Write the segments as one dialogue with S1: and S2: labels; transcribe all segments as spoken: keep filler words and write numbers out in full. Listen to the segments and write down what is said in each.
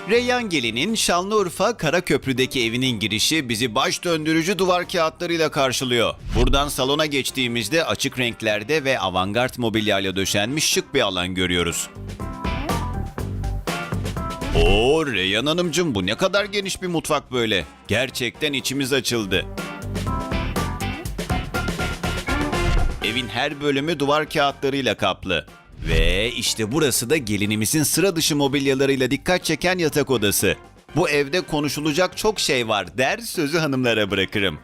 S1: Reyyan Gelin'in Şanlıurfa Karaköprü'deki evinin girişi bizi baş döndürücü duvar kağıtlarıyla karşılıyor. Buradan salona geçtiğimizde açık renklerde ve avantgard mobilyayla döşenmiş şık bir alan görüyoruz. Oo Reyyan Hanımcığım, bu ne kadar geniş bir mutfak böyle. Gerçekten içimiz açıldı. Evin her bölümü duvar kağıtlarıyla kaplı. Ve işte burası da gelinimizin sıra dışı mobilyalarıyla dikkat çeken yatak odası. Bu evde konuşulacak çok şey var der, sözü hanımlara bırakırım.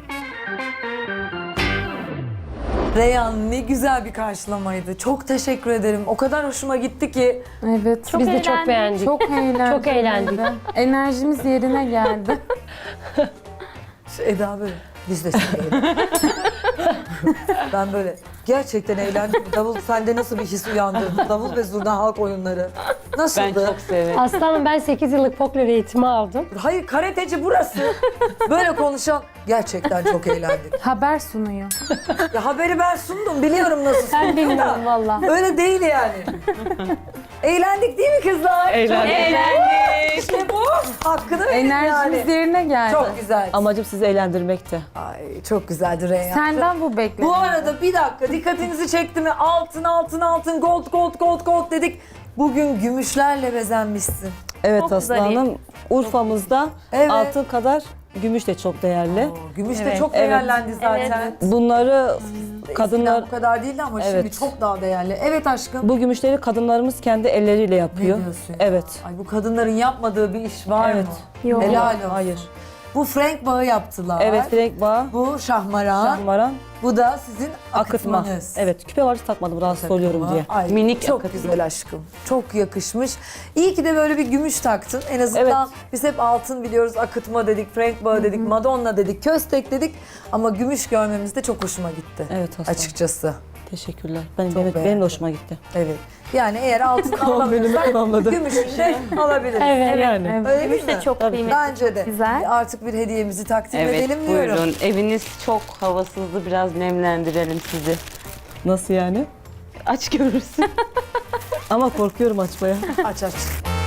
S2: Reyhan, ne güzel bir karşılamaydı. Çok teşekkür ederim. O kadar hoşuma gitti ki.
S3: Evet.
S4: Çok
S3: Biz de
S4: eğlendik.
S3: çok beğendik.
S4: Çok eğlendik.
S3: Çok eğlendik.
S4: Enerjimiz yerine geldi.
S2: Şu Eda böyle. Biz de seviyoruz. Ben böyle gerçekten eğlendim. Davul sende nasıl bir his uyandırdı? Davul ve zurna halk oyunları. Nasıldı?
S5: Ben çok severim.
S3: Aslanım, ben sekiz yıllık folklor eğitimi aldım.
S2: Hayır, karateci burası. Böyle konuşan gerçekten çok eğlendik.
S4: Haber sunuyor.
S2: Ya haberi ben sundum, biliyorum nasıl
S3: Ben
S2: sundum
S3: bilmiyorum
S2: da.
S3: valla.
S2: Öyle değil yani. Eğlendik değil mi kızlar?
S5: Eğlendik.
S2: İşte bu. Hakkını verin
S4: Enerjimiz
S2: yani.
S4: yerine geldi.
S2: Çok güzel.
S5: Amacım sizi eğlendirmekti.
S2: Ay çok güzeldi Reyhan.
S4: Senden bu bekleniyor.
S2: Bu arada bir dakika, dikkatinizi çekti mi? Altın, altın, altın, gold, gold, gold, gold dedik. Bugün gümüşlerle bezenmişsin.
S5: Evet
S4: Çok
S5: Aslı
S4: zarif.
S5: Hanım, Urfa'mızda
S2: Evet.
S5: altın kadar gümüş de çok değerli.
S2: Oo, gümüş de
S4: Evet.
S2: çok
S5: Evet.
S2: değerlendi zaten.
S5: Bunları
S2: Eskiden
S5: kadınlar,
S2: bu kadar değildi ama şimdi
S5: Evet.
S2: çok daha değerli. Evet aşkım.
S5: bu gümüşleri kadınlarımız kendi elleriyle
S2: Ne
S5: yapıyor.
S2: diyorsun ya?
S5: Evet.
S2: Ay bu kadınların yapmadığı bir iş var
S5: Evet.
S2: mı?
S4: Yok.
S2: Helal olsun.
S5: Hayır.
S2: Bu Frank bağı yaptılar.
S5: Evet, Frank Bağ,
S2: Bu şahmaran.
S5: Şahmaran,
S2: Bu da sizin
S5: akıtma.
S2: akıtmanız.
S5: Evet, küpe var takmadım rahatsız
S2: Takımı.
S5: oluyorum diye.
S2: Ay,
S5: Minik
S2: çok
S5: akıtma.
S2: güzel aşkım. Çok yakışmış. İyi ki de böyle bir gümüş taktın. En azından biz hep altın biliyoruz, akıtma dedik, Frank bağı dedik, Madonna dedik, köstek dedik. Ama gümüş görmemiz de çok hoşuma gitti.
S5: Evet Aslı.
S2: Açıkçası.
S5: Teşekkürler. Benim, benim, benim
S2: beğendim.
S5: de hoşuma gitti.
S2: Evet. Yani eğer altın
S5: Benim
S2: alamıyorsak
S5: tamamladı.
S2: gümüşünü de alabiliriz.
S3: Evet.
S5: Yani.
S4: Evet.
S2: Öyle değil
S4: Gümüş
S2: mi?
S4: de çok
S5: Tabii.
S4: kıymetli.
S2: Bence de.
S4: Güzel.
S2: Artık bir hediyemizi takdim
S6: Evet
S2: edelim diyorum.
S6: buyurun. Eviniz çok havasızdı. Biraz nemlendirelim sizi.
S5: Nasıl yani?
S6: Aç görürsün.
S5: Ama korkuyorum açmaya.
S2: Aç aç.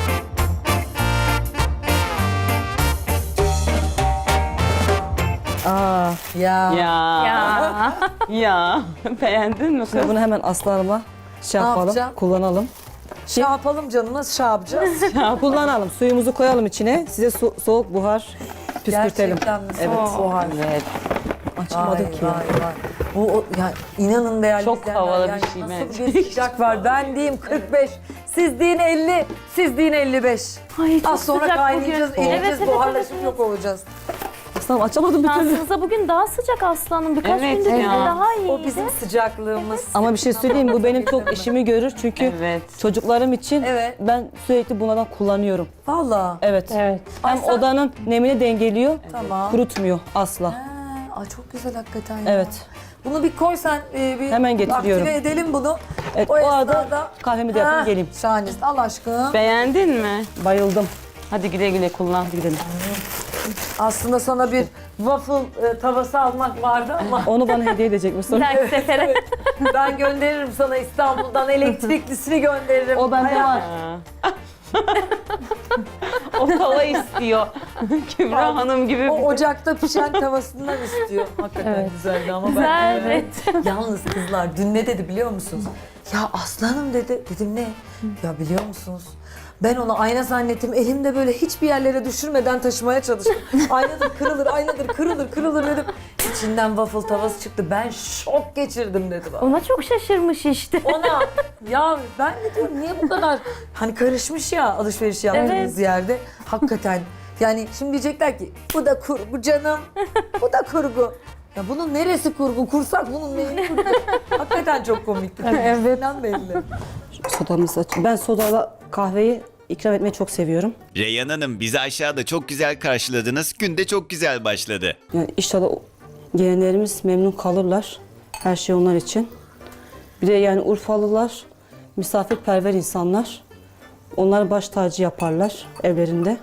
S5: Aa,
S2: Ya.
S6: ya.
S4: Ya.
S6: Ya. Beğendin mi
S5: şimdi
S6: kız?
S5: bunu hemen Aslı Hanım'a şey
S2: Ne
S5: yapalım,
S2: yapacağım?
S5: kullanalım.
S2: Şey yapalım canım, nasıl şey yapacağız?
S5: Kullanalım. Suyumuzu koyalım içine. Size su- soğuk buhar püskürtelim.
S2: Gerçekten mi?
S5: Evet.
S2: O halde.
S6: Evet.
S5: Açamadım
S2: Vay,
S5: ki.
S2: vay, vay. Bu o, ya inanın değerli
S6: Çok
S2: izleyenler,
S6: havalı bir
S2: yani
S6: şey
S2: nasıl
S6: bence.
S2: bir sıcak var. Ben diyeyim kırk beş, siz deyin elli, siz deyin elli beş.
S4: Ay çok
S2: Az sonra
S4: sıcak
S2: kaynayacağız,
S4: bugün.
S2: eriyeceğiz,
S4: evet,
S2: buharlaşıp
S4: evet,
S2: yok olacağız.
S5: Aslanım açamadım bir türlü.
S4: Şansınıza bugün daha sıcak aslanım. Birkaç
S6: Evet
S4: gündür
S6: ya.
S4: daha iyiydi.
S2: O bizim sıcaklığımız.
S5: Ama bir şey söyleyeyim, bu benim çok işimi görür çünkü
S6: Evet.
S5: çocuklarım için
S2: Evet.
S5: ben sürekli bunlardan kullanıyorum.
S2: Valla.
S5: Evet.
S3: Evet.
S5: Hem
S2: Ay sen-
S5: odanın nemini dengeliyor,
S2: Tamam.
S5: kurutmuyor asla.
S2: Ha, ay çok güzel hakikaten ya.
S5: Evet.
S2: Bunu bir koy sen, e, bir
S5: Hemen getiriyorum.
S2: aktive edelim bunu.
S5: Evet,
S2: O
S5: o, arada
S2: esnada-
S5: kahvemi de yapayım
S2: Ha,
S5: geleyim.
S2: Şahanesin. Al aşkım.
S6: Beğendin mi?
S5: Bayıldım.
S6: Hadi güle güle kullan.
S5: Hadi gidelim.
S2: Aslında sana bir waffle e, tavası almak vardı ama
S5: Onu bana hediye edecek
S4: Bir
S5: misin?
S4: dahaki sefere.
S2: ben gönderirim sana İstanbul'dan, elektriklisini gönderirim.
S5: O bende
S2: Hayat-
S5: var.
S6: Ha. o tava istiyor. Kübra Hanım gibi.
S2: O ocakta pişen tavasından istiyor. Hakikaten
S3: Evet.
S2: güzeldi ama
S4: Güzel,
S2: ben...
S4: evet.
S2: Yalnız kızlar dün ne dedi biliyor musunuz? Ya aslanım dedi. Dedim ne? Ya biliyor musunuz? Ben onu ayna zannettim. Elimde böyle hiçbir yerlere düşürmeden taşımaya çalıştım. Aynadır kırılır, aynadır kırılır, kırılır dedim. İçinden waffle tavası çıktı. Ben şok geçirdim dedi bana.
S4: Ona çok şaşırmış işte.
S2: Ona ya ben de diyorum niye bu kadar hani karışmış ya alışveriş yaptığımız
S4: Evet.
S2: yerde. Hakikaten yani şimdi diyecekler ki bu da kurgu canım. Bu da kurgu. Ya bunun neresi kurgu? Kursak bunun neyini kurgu? Hakikaten çok komikti. Evet. belli.
S5: Sodamızı aç. Ben sodala kahveyi ikram etmeyi çok seviyorum.
S1: Reyyan Hanım, bizi aşağıda çok güzel karşıladınız. Gün de çok güzel başladı.
S5: Yani inşallah o- gelenlerimiz memnun kalırlar. Her şey onlar için. Bir de yani Urfalılar misafirperver insanlar. Onlar baş tacı yaparlar evlerinde.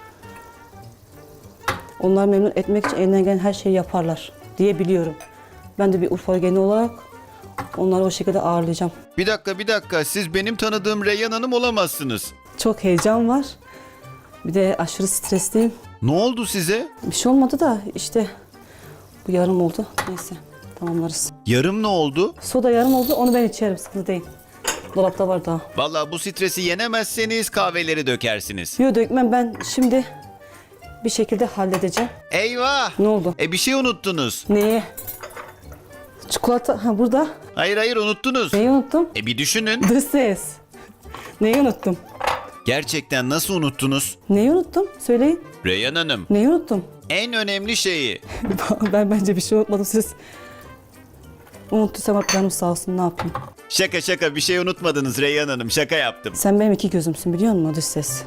S5: Onları memnun etmek için elinden gelen her şeyi yaparlar diye biliyorum. Ben de bir Urfalı gelini olarak onları o şekilde ağırlayacağım.
S1: Bir dakika bir dakika, siz benim tanıdığım Reyyan Hanım olamazsınız.
S5: Çok heyecan var Bir de aşırı stresliyim.
S1: Ne oldu size?
S5: Bir şey olmadı da işte bu yarım oldu. Neyse tamamlarız.
S1: Yarım ne oldu?
S5: Soda yarım oldu, onu ben içerim, sıkıntı değil. Dolapta var daha.
S1: Vallahi bu stresi yenemezseniz kahveleri dökersiniz.
S5: Yok dökmem, ben şimdi bir şekilde halledeceğim.
S1: Eyvah!
S5: Ne oldu?
S1: E bir şey unuttunuz.
S5: Neyi? Çikolata, ha burada.
S1: Hayır hayır unuttunuz.
S5: Neyi unuttum?
S1: E bir düşünün.
S5: Dış ses. Neyi unuttum?
S1: Gerçekten nasıl unuttunuz?
S5: Neyi unuttum? Söyleyin.
S1: Reyhan Hanım,
S5: Neyi unuttum?
S1: en önemli şeyi.
S5: Ben bence bir şey unutmadım, siz. Unuttuysam canım sağ olsun, ne yapayım?
S1: Şaka şaka bir şey unutmadınız Reyhan Hanım. Şaka yaptım.
S5: Sen benim iki gözümsün, biliyor musun dış ses?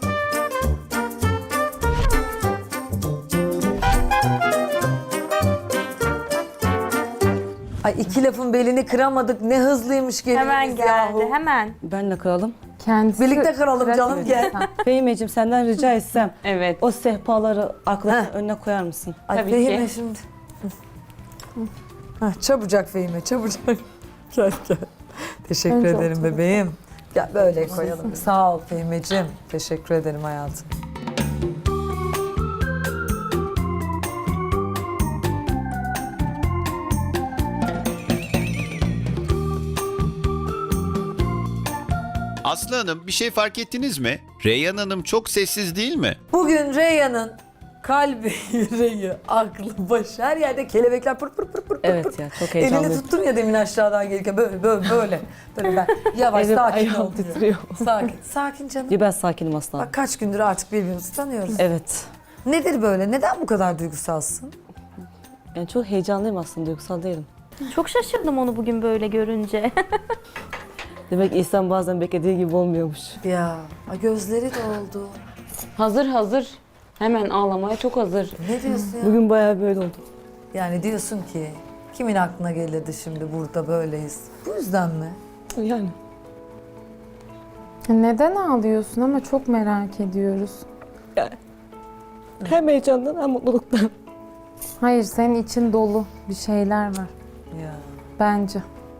S2: Ay iki lafın belini kıramadık. Ne hızlıymış gelinimiz
S4: Hemen geldi,
S2: yahu.
S4: hemen.
S5: Benle kralım.
S3: Kendisi
S2: Birlikte kıralım canım,
S3: pratik
S2: gel.
S3: insan.
S5: Fehimeciğim, senden rica etsem
S6: Evet.
S5: o sehpaları aklının
S2: Heh.
S5: önüne koyar mısın?
S2: Ay
S6: Tabii
S2: Fehime
S6: ki.
S2: şimdi. Hah, çabucak Fehime, çabucak. Gel gel. Teşekkür
S3: Önce
S2: ederim
S3: otur.
S2: bebeğim. Gel böyle koyalım. Sağ ol Fehimeciğim. Teşekkür ederim hayatım.
S1: Aslı Hanım bir şey fark ettiniz mi? Reyhan Hanım çok sessiz değil mi?
S2: Bugün Reyhan'ın kalbi, yüreği, aklı, başı her yerde kelebekler pır pır pır pır pır.
S5: Evet
S2: pır.
S5: ya, çok
S2: Elini
S5: heyecanlıyım.
S2: tuttum ya demin aşağıdan gelirken böyle böyle böyle. Böyle ben yavaş
S5: Elim,
S2: sakin
S5: ayağım
S2: ol diyor.
S5: titriyor.
S2: Sakin, sakin canım.
S5: Ya ben sakinim aslanım.
S2: Bak kaç gündür artık birbirimizi tanıyoruz.
S5: Evet.
S2: Nedir böyle? Neden bu kadar duygusalsın?
S5: Yani çok heyecanlıyım aslında, duygusal değilim.
S4: Çok şaşırdım onu bugün böyle görünce.
S5: Demek insan bazen beklediği gibi olmuyormuş.
S2: Ya ay gözleri doldu.
S6: Hazır hazır. Hemen ağlamaya çok hazır.
S2: Ne diyorsun ya?
S5: Bugün bayağı böyle oldu.
S2: Yani diyorsun ki kimin aklına gelirdi şimdi burada böyleyiz? Bu yüzden mi?
S5: Yani.
S3: Neden ağlıyorsun ama çok merak ediyoruz.
S5: Hem heyecandan hem mutluluktan.
S3: Hayır, senin için dolu bir şeyler var
S2: Ya.
S3: bence.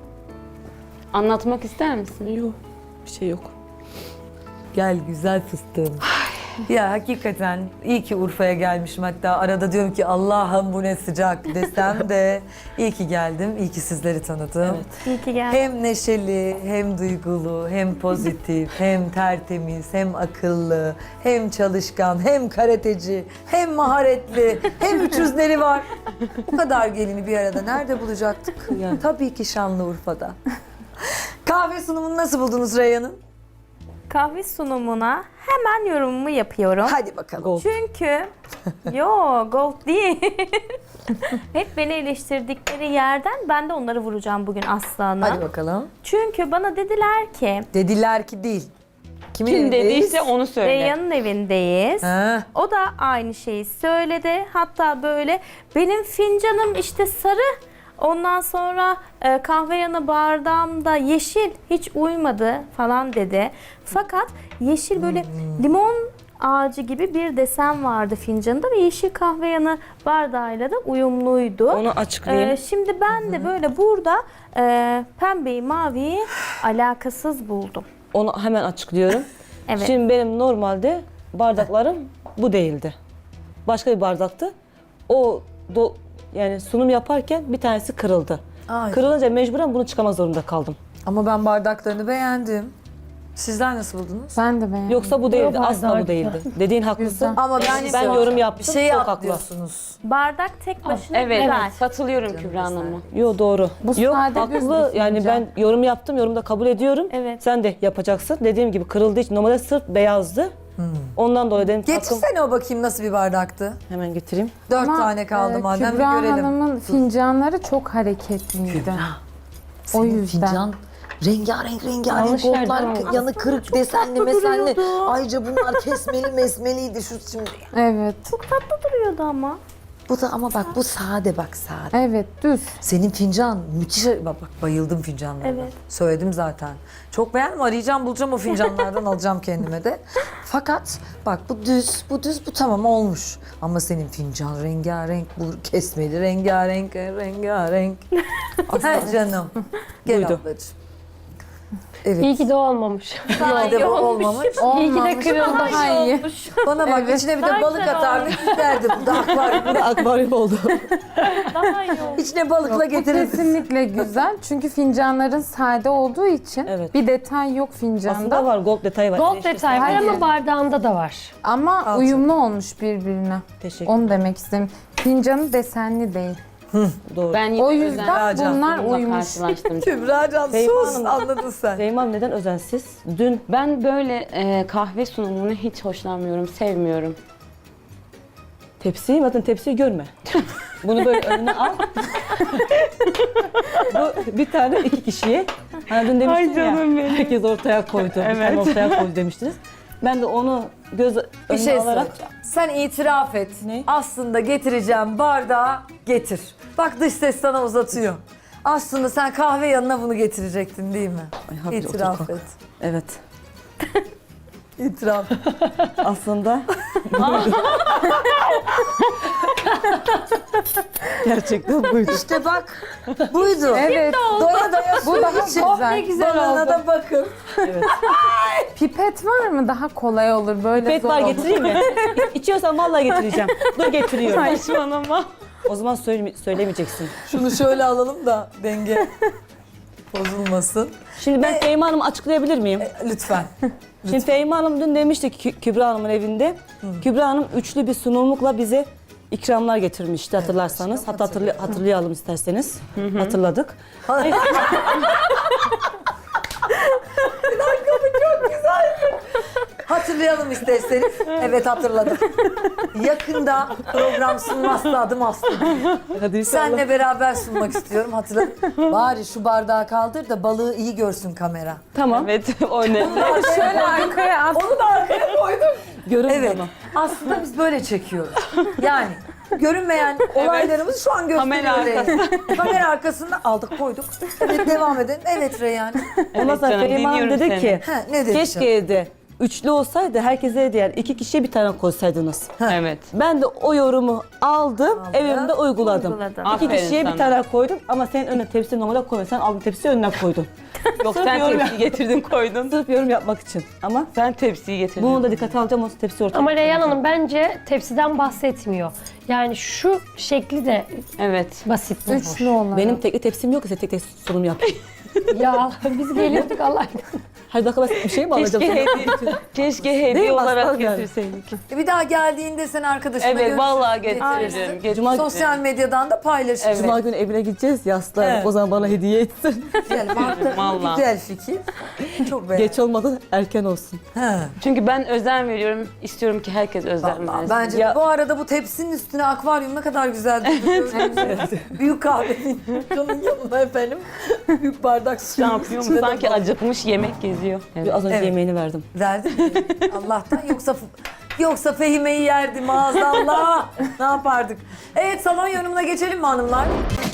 S6: Anlatmak ister misin?
S5: Yok. Bir şey yok.
S2: Gel güzel fıstığım. Ya hakikaten iyi ki Urfa'ya gelmişim. Hatta arada diyorum ki Allah'ım bu ne sıcak desem de iyi ki geldim. İyi ki sizleri tanıdım.
S5: Evet.
S4: İyi ki geldin.
S2: Hem neşeli, hem duygulu, hem pozitif, hem tertemiz, hem akıllı, hem çalışkan, hem karateci, hem maharetli, hem üç yüzleri var. Bu kadar gelini bir arada nerede bulacaktık?
S5: Yani.
S2: Tabii ki Şanlıurfa'da. Kahve sunumunu nasıl buldunuz Reyhan'ın?
S4: Kahve sunumuna hemen yorumumu yapıyorum.
S2: Hadi bakalım.
S5: Gold.
S4: Çünkü yo gold değil. Hep beni eleştirdikleri yerden ben de onları vuracağım bugün Aslan'a.
S2: Hadi bakalım.
S4: Çünkü bana dediler ki
S2: Dediler ki değil. Kimin
S6: Kim
S2: evindeyiz?
S6: dediyse onu söyle.
S4: Reyhan'ın evindeyiz.
S2: Ha.
S4: O da aynı şeyi söyledi. Hatta böyle benim fincanım işte sarı. Ondan sonra e, kahve yanı bardağımda yeşil hiç uymadı falan dedi. Fakat yeşil böyle limon ağacı gibi bir desen vardı fincanında ve yeşil kahve yanı bardağıyla da uyumluydu.
S5: Onu açıklayayım.
S4: Ee, şimdi ben de böyle burada e, pembeyi maviyi alakasız buldum.
S5: Onu hemen açıklıyorum.
S4: Evet.
S5: Şimdi benim normalde bardaklarım bu değildi. Başka bir bardaktı. O do, yani sunum yaparken bir tanesi kırıldı.
S2: Ay.
S5: Kırılınca mecburen bunu çıkarmak zorunda kaldım.
S2: Ama ben bardaklarını beğendim. Sizler nasıl buldunuz?
S3: Ben de beğendim.
S5: Yoksa bu değildi,
S3: Yok,
S5: asla
S3: bardak
S5: bu değildi. Dediğin haklısın.
S3: Güzel.
S2: Ama ben,
S5: Yani ben yorum yaptım,
S2: bir şey
S5: çok
S2: yap
S5: haklı.
S2: diyorsunuz.
S4: Bardak tek başına
S6: Evet,
S4: güzel.
S6: katılıyorum Kübra Hanım'a.
S5: Yo doğru.
S3: Bu
S5: Yok
S3: sade
S5: haklı.
S3: düz bir
S5: Yani
S3: fincan.
S5: ben yorum yaptım, yorum da kabul ediyorum.
S4: Evet.
S5: Sen de yapacaksın. Dediğim gibi kırıldığı için normalde sırf beyazdı. Ondan dolayı dedim ki hakkım.
S2: Getirsene o bakayım nasıl bir bardaktı.
S5: Hemen getireyim.
S2: Dört
S3: Ama,
S2: tane kaldı
S3: e,
S2: madem bir
S3: Kübra
S2: görelim.
S3: Hanım'ın fincanları çok hareketliydi. O yüzden.
S2: rengarenk rengarenk
S6: Alış yerden
S2: goldlar,
S6: aldı.
S2: yanı kırık desenli mesenli. Ayrıca bunlar kesmeli mesmeliydi şu şimdi.
S3: Evet.
S4: Çok tatlı duruyordu ama.
S2: Bu da ama bak bu sade bak sade.
S3: Evet, düz.
S2: Senin fincan müthiş. Bak, bak bayıldım fincanlarına.
S4: Evet.
S2: Söyledim zaten. Çok beğendim. Arayacağım bulacağım o fincanlardan alacağım kendime de. Fakat bak bu düz, bu düz, bu tamam olmuş. Ama senin fincan rengarenk, bu kesmeli rengarenk, rengarenk. Ha canım. Gel
S5: Buydu.
S2: ablacığım. Evet.
S7: İyi ki de olmamış.
S2: İyi ki de bu olmamış.
S7: İyi ki de
S3: Olmamış,
S7: kırıldı.
S3: daha iyi.
S2: Bana bak
S3: Evet.
S2: içine bir de
S4: Daha
S2: balık
S4: güzel
S2: atardık giderdi. Bu da akvaryum.
S5: Akvaryum oldu.
S4: Daha iyi oldu.
S2: İçine balıkla
S3: Bu
S2: getirirdik.
S3: kesinlikle güzel. Çünkü fincanların sade olduğu için
S5: Evet.
S3: bir detay yok fincanda.
S5: Aslında var, gold detayı var.
S7: Gold
S5: Eleştirsen-
S7: detay var
S3: Hayır.
S7: ama bardağında da var.
S3: Ama
S2: Al
S3: uyumlu olmuş birbirine.
S5: Teşekkür
S3: Onu demek istedim. Fincanı desenli değil.
S5: Doğru.
S6: Ben yine
S3: O yüzden
S2: Racan,
S3: bunlar
S6: bununla
S3: uymuş.
S6: karşılaştım.
S2: Kübra'can
S5: Feyma
S2: sus
S5: Hanım.
S2: anladın sen.
S5: Zeynep neden özensiz? Dün
S6: Ben böyle e, kahve sunumunu hiç hoşlanmıyorum, sevmiyorum.
S5: tepsiyi, bakın tepsiyi görme. Bunu böyle önüne al. Bu bir tane iki kişiye. Hani dün demiştin
S6: Ay canım
S5: ya,
S6: benim.
S5: herkes ortaya koydu. Bir tane
S6: Evet.
S5: ortaya koydu demiştiniz. Ben de onu göz
S2: Bir
S5: önüne
S2: şey
S5: alarak
S2: söyleyeceğim. Sen itiraf et.
S5: Ne?
S2: Aslında getireceğim bardağı getir. Bak dış ses sana uzatıyor. Aslında sen kahve yanına bunu getirecektin değil mi?
S5: Ay, hadi
S2: İtiraf
S5: otur,
S2: et.
S5: evet.
S2: İtiraf.
S5: Aslında gerçekten buydu.
S2: İşte bak buydu.
S3: Evet.
S2: Doya doya
S3: Bu
S2: su
S3: daha
S2: için.
S3: güzel.
S7: güzel
S2: Balığına
S7: oldu.
S2: da bakın.
S5: Evet.
S3: Pipet var mı? Daha kolay olur. Böyle
S5: Pet
S3: zor
S5: var
S3: olur.
S5: getireyim mi? İ- İçiyorsan vallahi getireceğim. Dur getiriyorum.
S6: Saçmalama.
S5: O zaman söyle, söylemeyeceksin.
S2: Şunu şöyle alalım da denge bozulmasın.
S5: Şimdi ben Fehmi Hanım'ı açıklayabilir miyim?
S2: Lütfen.
S5: Şimdi Fehmi Hanım dün demişti ki Kü- Kübra Hanım'ın evinde. Kübra Hanım üçlü bir sunumlukla bize ikramlar getirmişti hatırlarsanız.
S2: aşkım,
S5: Hatta hatırlay- hatırlayalım isterseniz. Hatırladık.
S2: Hatırlayalım isterseniz. Evet hatırladım. Yakında program sunmazsa adım astım.
S5: Hadi inşallah.
S2: Senle beraber sunmak istiyorum hatırladım. Bari şu bardağı kaldır da balığı iyi görsün kamera.
S5: Tamam.
S6: Evet, o ne?
S3: Şöyle arkaya at.
S2: Onu da arkaya koydum.
S5: Görün
S2: Evet.
S5: ama.
S2: Aslında biz böyle çekiyoruz. Yani görünmeyen olaylarımızı şu an
S6: Kamera
S2: gösteriyoruz. Kamera arkasında aldık koyduk. Evet devam edelim. Evet Reyhan.
S5: Ondan sonra
S6: canım,
S5: Fehmi Hanım
S6: dinliyorum
S5: dedi
S6: seni.
S5: ki
S2: Ha, ne dedi
S5: keşke
S2: canım?
S5: evde üçlü olsaydı herkese diğer iki kişiye bir tane koysaydınız.
S6: Evet.
S5: Ben de o yorumu aldım, evimde uyguladım.
S4: Uyguladın.
S5: İki
S6: Aferin
S5: kişiye bir
S6: sana.
S5: tane koydum ama senin önüne tepsinin normale koyma. Sen aldın tepsiyi önüne koydun.
S6: Yok
S5: Sırf
S6: sen
S5: yorum
S6: tepsi getirdin koydun.
S5: Sırf yorum yapmak için. Ama
S6: Sen tepsiyi getirdin.
S5: bunu da dikkate alacağım, o tepsi ortaya
S7: Ama Reyhan
S5: koyacağım.
S7: Hanım bence tepsiden bahsetmiyor. Yani şu şekli de
S6: Evet.
S7: basit bulmuş.
S3: Üçlü olan.
S5: Benim tekli tepsim yok ki sen tek tek sunum yap.
S7: Ya biz geliyorduk Allah
S5: Hadi bakalım bir şey mi alacağım
S6: Keşke
S5: sana?
S6: hediye, keşke
S5: Değil
S6: hediye
S5: mi?
S6: olarak
S5: Aslan yani.
S6: getirseydik.
S2: E bir daha geldiğinde sen arkadaşına
S6: Evet,
S2: görürsün,
S6: vallahi
S2: getirirsin.
S6: getiririm. getiririm.
S5: Cuma-
S2: Sosyal medyadan da paylaşırsın.
S5: Cuma günü evine gideceğiz yaslar.
S2: Evet.
S5: O zaman bana hediye etsin.
S2: Güzel, mantıklı,
S6: Vallahi.
S2: güzel fikir. Çok beğendim.
S5: Geç olmadan erken olsun.
S2: Ha.
S6: Çünkü ben özen veriyorum. İstiyorum ki herkes özen
S2: Vallahi
S6: versin.
S2: bence
S5: Ya-
S2: bu arada bu tepsinin üstüne akvaryum ne kadar güzel duruyor. Büyük kahvenin canın yanına efendim. Büyük bardak su.
S6: Ne yapıyor mu? Sanki acıkmış yemek geziyor. Evet.
S5: Az önce
S2: Evet.
S5: yemeğini verdim.
S2: Verdin mi? Allah'tan yoksa yoksa Fehime'yi yerdi maazallah. Ne yapardık? Evet salon yorumuna geçelim mi hanımlar?